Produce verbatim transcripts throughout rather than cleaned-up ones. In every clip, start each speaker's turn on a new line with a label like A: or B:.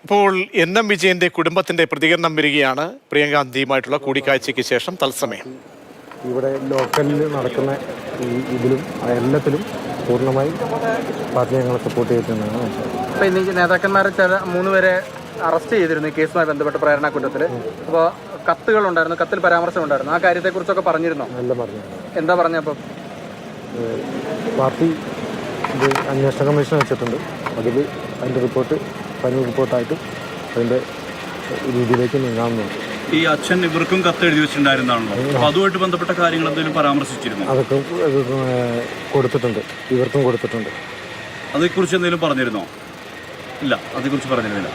A: ഇപ്പോൾ N M വിജയന്റെ കുടുംബത്തിന്റെ പ്രതികരണം വരികയാണ് പ്രിയങ്കാന്തിയുമായിട്ടുള്ള കൂടിക്കാഴ്ചയ്ക്ക് ശേഷം തത്സമയം.
B: ഇവിടെ ലോക്കലിൽ നടക്കുന്ന ഈ ഇതിലും എല്ലാത്തിലും പൂർണ്ണമായി പാർട്ടി ഞങ്ങളെ സപ്പോർട്ട് ചെയ്തിട്ടുണ്ടെന്നാണ് മനസ്സിലാക്കുന്നത്.
C: അപ്പോൾ ഇന്ന് നേതാക്കന്മാരെ ചില മൂന്ന് പേരെ അറസ്റ്റ് ചെയ്തിരുന്നു ഈ കേസുമായി ബന്ധപ്പെട്ട് പ്രേരണ കുറ്റത്തിൽ. അപ്പോൾ കത്തുകളുണ്ടായിരുന്നു, കത്തിൽ പരാമർശം ഉണ്ടായിരുന്നു. ആ കാര്യത്തെക്കുറിച്ചൊക്കെ പറഞ്ഞിരുന്നോ?
B: എല്ലാം പറഞ്ഞു.
C: എന്താ പറഞ്ഞപ്പോൾ?
B: പാർട്ടി ഇത് അന്വേഷണ കമ്മീഷൻ വെച്ചിട്ടുണ്ട്. അതിൽ അതിൻ്റെ റിപ്പോർട്ട് ഫൈനൽ റിപ്പോർട്ടായിട്ട് അതിൻ്റെ രീതിയിലേക്ക് നീങ്ങാവുന്നതാണ്.
D: ഈ അച്ഛൻ ഇവർക്കും കത്ത് എഴുതി വെച്ചിട്ടുണ്ടായിരുന്നാണല്ലോ, അപ്പോൾ അതുമായിട്ട് ബന്ധപ്പെട്ട കാര്യങ്ങൾ എന്തെങ്കിലും പരാമർശിച്ചിരുന്നു?
B: അതൊക്കെ കൊടുത്തിട്ടുണ്ട്, ഇവർക്കും കൊടുത്തിട്ടുണ്ട്.
D: അതേക്കുറിച്ച് എന്തെങ്കിലും പറഞ്ഞിരുന്നോ? ഇല്ല, അതേക്കുറിച്ച് പറഞ്ഞിരുന്നില്ല.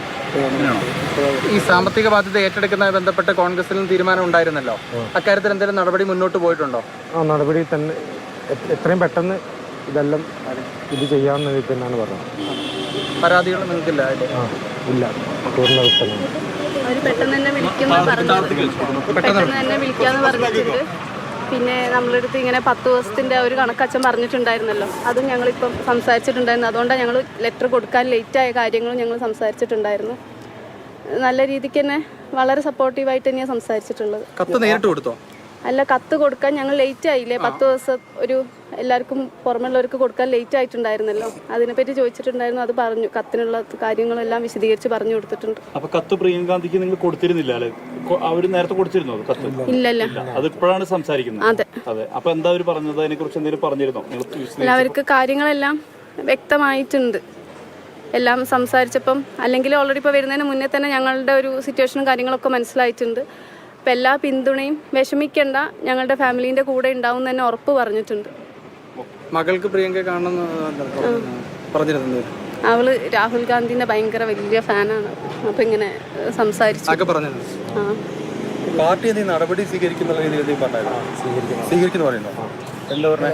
C: ഈ സാമ്പത്തിക ബാധ്യത ഏറ്റെടുക്കുന്നതുമായി ബന്ധപ്പെട്ട് കോൺഗ്രസിലും തീരുമാനം ഉണ്ടായിരുന്നല്ലോ, അക്കാര്യത്തിൽ എന്തെങ്കിലും നടപടി മുന്നോട്ട് പോയിട്ടുണ്ടോ?
B: ആ നടപടി തന്നെ എത്രയും പെട്ടെന്ന് ഇതെല്ലാം ഇത് ചെയ്യാമെന്ന് തന്നെയാണ് പറഞ്ഞത്.
C: പരാതികൾ നിങ്ങൾക്കില്ല?
B: ആ ഇല്ല, പൂർണ്ണ വിട്ടലാണ്.
E: അവർ പെട്ടെന്ന് തന്നെ വിളിക്കുന്ന പറഞ്ഞു പെട്ടെന്ന് തന്നെ വിളിക്കാന്ന് പറഞ്ഞിട്ടുണ്ട്. പിന്നെ നമ്മളെടുത്ത് ഇങ്ങനെ പത്ത് ദിവസത്തിൻ്റെ ഒരു കണക്കച്ഛൻ പറഞ്ഞിട്ടുണ്ടായിരുന്നല്ലോ, അതും ഞങ്ങളിപ്പം സംസാരിച്ചിട്ടുണ്ടായിരുന്നു. അതുകൊണ്ടാണ് ഞങ്ങൾ ലെറ്റർ കൊടുക്കാൻ ലേറ്റായ കാര്യങ്ങളും ഞങ്ങൾ സംസാരിച്ചിട്ടുണ്ടായിരുന്നു. നല്ല രീതിക്ക് തന്നെ വളരെ സപ്പോർട്ടീവായിട്ട് തന്നെയാണ് സംസാരിച്ചിട്ടുള്ളത്.
C: കത്ത് നേരിട്ട് കൊടുത്തോ?
E: അല്ല, കത്ത് കൊടുക്കാൻ ഞങ്ങൾ ലേറ്റ് ആയില്ലേ, പത്ത് ദിവസം ഒരു എല്ലാവർക്കും പുറമെയുള്ളവർക്ക് കൊടുക്കാൻ ലേറ്റ് ആയിട്ടുണ്ടായിരുന്നല്ലോ, അതിനെപ്പറ്റി ചോദിച്ചിട്ടുണ്ടായിരുന്നു. അത് പറഞ്ഞു, കത്തിനുള്ള കാര്യങ്ങളെല്ലാം വിശദീകരിച്ച് പറഞ്ഞു കൊടുത്തിട്ടുണ്ട്.
D: അപ്പൊ കത്ത് പ്രിയങ്കാന്തിക്ക് നിങ്ങൾ കൊടുത്തിരുന്നില്ല അല്ലെ? അവര് നേരത്തെ കൊടുത്തിരുന്നോ കത്ത്?
E: ഇല്ലല്ല,
D: അതിപ്പോഴാണ് സംസാരിക്കുന്നത്.
E: അതെ
D: അതെ. അപ്പൊ എന്താ അവര് പറഞ്ഞത്? അതിനെ കുറിച്ച് എന്തെങ്കിലും പറഞ്ഞിരുന്നോ?
E: അല്ല, അവർക്ക് കാര്യങ്ങളെല്ലാം വ്യക്തമായിട്ടുണ്ട് എല്ലാം സംസാരിച്ചപ്പം. അല്ലെങ്കിൽ ഓൾറെഡി ഇപ്പോൾ വരുന്നതിന് മുന്നേ തന്നെ ഞങ്ങളുടെ ഒരു സിറ്റുവേഷനും കാര്യങ്ങളൊക്കെ മനസ്സിലായിട്ടുണ്ട്. അപ്പം എല്ലാ പിന്തുണയും, വിഷമിക്കേണ്ട, ഞങ്ങളുടെ ഫാമിലീൻ്റെ കൂടെ ഉണ്ടാവും തന്നെ ഉറപ്പ് പറഞ്ഞിട്ടുണ്ട്.
C: മകൾക്ക് പ്രിയങ്ക കാണണമെന്ന് പറഞ്ഞിരുന്നു.
E: അവള് രാഹുൽ ഗാന്ധിന്റെ ഭയങ്കര വലിയ ഫാനാണ്. അപ്പൊ ഇങ്ങനെ സംസാരിച്ചു. ആ
C: പാർട്ടി നടപടി സ്വീകരിക്കുന്ന രീതിയിൽ സ്വീകരിക്കുന്നു പറയുന്നു. എന്താ പറഞ്ഞ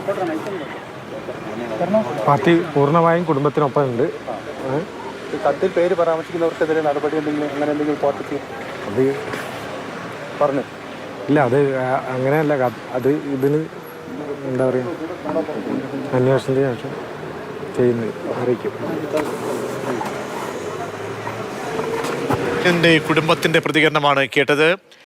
B: പാർട്ടി പൂർണ്ണമായും കുടുംബത്തിനൊപ്പം ഉണ്ട്.
C: കത്തിൽ പേര് പരാമർശിക്കുന്നവർക്കെതിരെ നടപടി എന്തെങ്കിലും അങ്ങനെ എന്തെങ്കിലും പാർട്ടിക്ക്
B: അത്
C: പറഞ്ഞു
B: ഇല്ല, അത് അങ്ങനെയല്ല. അത് ഇതിന് എന്താ പറയുക, അന്വേഷണത്തിന് ശേഷം ചെയ്യുന്നത് അറിയിക്കും.
A: എൻ്റെ കുടുംബത്തിന്റെ പ്രതികരണമാണ് കേട്ടത്.